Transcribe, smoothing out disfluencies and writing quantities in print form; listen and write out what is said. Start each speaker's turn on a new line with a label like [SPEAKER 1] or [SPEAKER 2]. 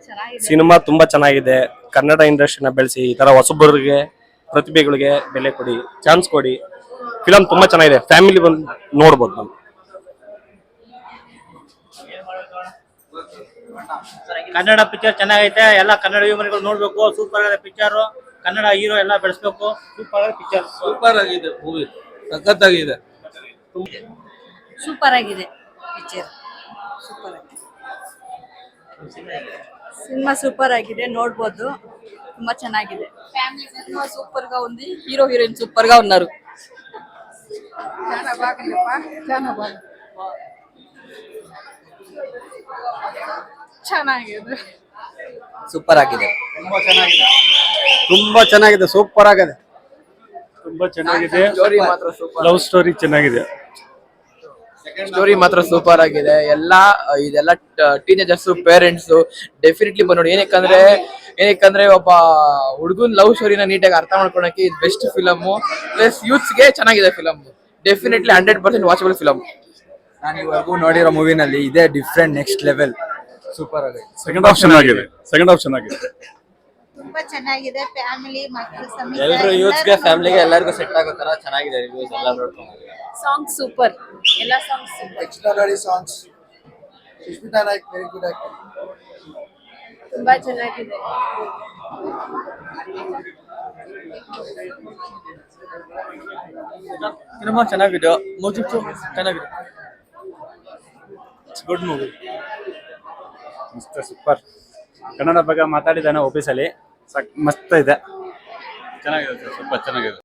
[SPEAKER 1] Cinema ತುಂಬಾ ಚೆನ್ನಾಗಿದೆ. ಕನ್ನಡ ಇಂಡಸ್ಟ್ರಿನ ಬೆಳೆಸಿ ಈ ತರ ಹೊಸಬರಿಗೆ ಪ್ರತಿಭೆಗಳಿಗೆ ಬೆಲೆ ಕೊಡಿ, ಚಾನ್ಸ್ ಕೊಡಿ. ಫಿಲಂ ತುಂಬಾ ಚೆನ್ನಾಗಿದೆ, ಫ್ಯಾಮಿಲಿ ಬಂದು ನೋಡ್ಬೋದು ನಾವು.
[SPEAKER 2] ಕನ್ನಡ ಪಿಕ್ಚರ್ ಚೆನ್ನಾಗೈತೆ, ಎಲ್ಲ ಕನ್ನಡ ಅಭಿಮಾನಿಗಳು ನೋಡ್ಬೇಕು. ಸೂಪರ್ ಆಗಿದೆ ಪಿಕ್ಚರ್, ಕನ್ನಡ ಹೀರೋ ಎಲ್ಲ ಬೆಳೆಸ್ಬೇಕು. ಸೂಪರ್ ಆಗಿದೆ ಪಿಕ್ಚರ್,
[SPEAKER 3] ಸೂಪರ್ ಆಗಿದೆ ಮೂವಿ, ಸಖತ್ತಾಗಿದೆ.
[SPEAKER 4] ಸೂಪರ್ ಆಗಿದೆ ಪಿಕ್ಚರ್, ಸೂಪರ್ ಆಗಿದೆ. సినిమా సూపర్ ఆಗಿದೆ, ನೋಡಬಹುದು. ತುಂಬಾ ಚೆನ್ನಾಗಿದೆ.
[SPEAKER 5] ఫ్యామిలీ సినిమా సూపర్ గా ఉంది. హీరో హీరోయిన్ సూపర్ గా ఉన్నారు.
[SPEAKER 4] చాలా బాగుందప్పా, చాలా బాగుంది. ಚೆನ್ನಾಗಿದೆ,
[SPEAKER 5] సూపర్ ఆಗಿದೆ.
[SPEAKER 3] ತುಂಬಾ ಚೆನ್ನಾಗಿದೆ,
[SPEAKER 6] ತುಂಬಾ ಚೆನ್ನಾಗಿದೆ, ಸೂಪರ್ ಆಗಿದೆ.
[SPEAKER 1] ತುಂಬಾ ಚೆನ್ನಾಗಿದೆ.
[SPEAKER 5] ಸ್ಟೋರಿ ಮಾತ್ರ ಸೂಪರ್,
[SPEAKER 1] ಲವ್ ಸ್ಟೋರಿ ಚೆನ್ನಾಗಿದೆ.
[SPEAKER 5] ಸ್ಟೋರಿ ಮಾತ್ರ ಸೂಪರ್ ಆಗಿದೆ. ಇದೆಲ್ಲ ಟೀನೇಜರ್ಸ್ ಪೇರೆಂಟ್ಸ್ ಡೆಫಿನೆಟ್ಲಿ ಬಂದ್ ನೋಡಿ. ಏನಕ್ಕಂದ್ರೆ ಒಬ್ಬ ಹುಡುಗನ್ ಲವ್ ಸ್ಟೋರಿನ ನೀಟಾಗಿ ಅರ್ಥ ಮಾಡ್ಕೊಳಕ್ಕೆ ಇದು ಬೆಸ್ಟ್ ಫಿಲಮ್. ಪ್ಲಸ್ ಯೂತ್ಸ್ ಗೆ ಚೆನ್ನಾಗಿದೆ ಫಿಲಮ್. Definitely 100% watchable film.
[SPEAKER 6] ನಾನು ಇವಾಗೂ ನೋಡಿರೋ ಮೂವಿನಲ್ಲಿ ಇದೇ ಡಿಫ್ರೆಂಟ್, ನೆಕ್ಸ್ಟ್ ಲೆವೆಲ್, ಸೂಪರ್ ಆಗಿದೆ.
[SPEAKER 1] ಸೆಕೆಂಡ್ ಹಾಫ್ ಚೆನ್ನಾಗಿದೆ, ಸೆಕೆಂಡ್ ಹಾಫ್ ಚೆನ್ನಾಗಿದೆ.
[SPEAKER 4] ತುಂಬಾ ಚೆನ್ನಾಗಿದೆ. ಫ್ಯಾಮಿಲಿ ಮಕ್ಕಳು ಸಮೇತ
[SPEAKER 5] ಎಲ್ಲರೂ ಯೂತ್ಸ್ ಗೆ ಫ್ಯಾಮಿಲಿಗೆ ಎಲ್ಲರಿಗೂ ಸೆಟ್ ಆಗೋ ತರ ಚೆನ್ನಾಗಿದೆ. ರಿವ್ಯೂಸ್ ಎಲ್ಲ ನೋಡ್ಕೊಂಡು
[SPEAKER 4] ಸಾಂಗ್ ಸೂಪರ್, ಎಲ್ಲ song super.
[SPEAKER 6] Extraordinary songs, Sushmita Naik very good actor.
[SPEAKER 4] ತುಂಬಾ ಚೆನ್ನಾಗಿದೆ.
[SPEAKER 5] ಸಿನಿಮಾ ಚೆನ್ನಾಗಿದೆ, ಮ್ಯೂಸಿಕ್ ಚೆನ್ನಾಗಿದೆ.
[SPEAKER 1] ಇಟ್ಸ್ ಗುಡ್ ಮೂವಿ, ಮಸ್ತ್ ಸೂಪರ್. ಕನ್ನಡ ಬಗ್ಗೆ ಮಾತಾಡಿದ್ದಾನೆ ಆಫೀಸಲ್ಲಿ, ಮಸ್ತ್ ಇದೆ,
[SPEAKER 3] ಚೆನ್ನಾಗಿದೆ ಸರ್, ಸ್ವಲ್ಪ ಚೆನ್ನಾಗಿದೆ.